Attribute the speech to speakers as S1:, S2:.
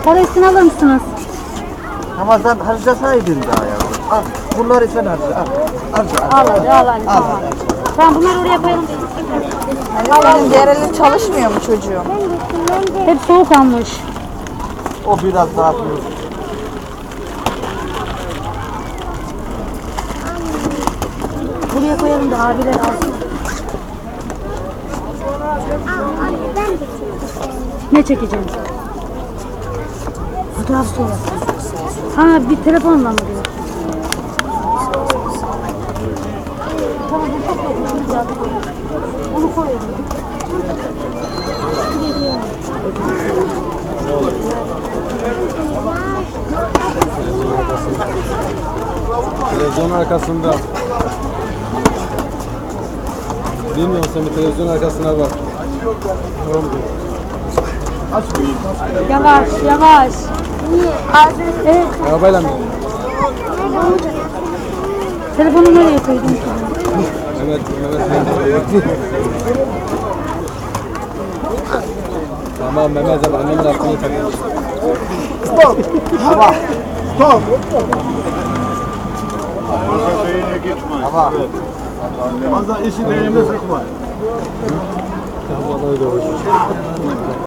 S1: Para üstüne alır mısınız?
S2: Ama sen harcasaydın daha ya. Al, bunları sen harca. Al
S1: Al hadi tamam. Tamam bunları oraya koyalım.
S3: Benim diğer eli çalışmıyor mu çocuğum?
S1: Hep soğuk almış.
S2: O biraz daha atıyor.
S1: Buraya koyalım da abiler alsın. Ne çekeceğim? Fotoğraf sonra. Ha bir telefonla mı diyor? Tamam bu çok yakın. Onu koyalım.
S4: Televizyon arkasında. Bilmiyorum sen bir televizyon arkasına bak.
S1: Yavaş yavaş. Evet.
S4: Arabayla mı?
S1: Telefonu nereye koydun ki?
S4: Mehmet. Tamam Mehmet abi annemin aklını takmış.
S2: Stop. Ama. Stop. Ama.
S5: Fazla işi beynine sıkma.
S4: Vallahi doğru.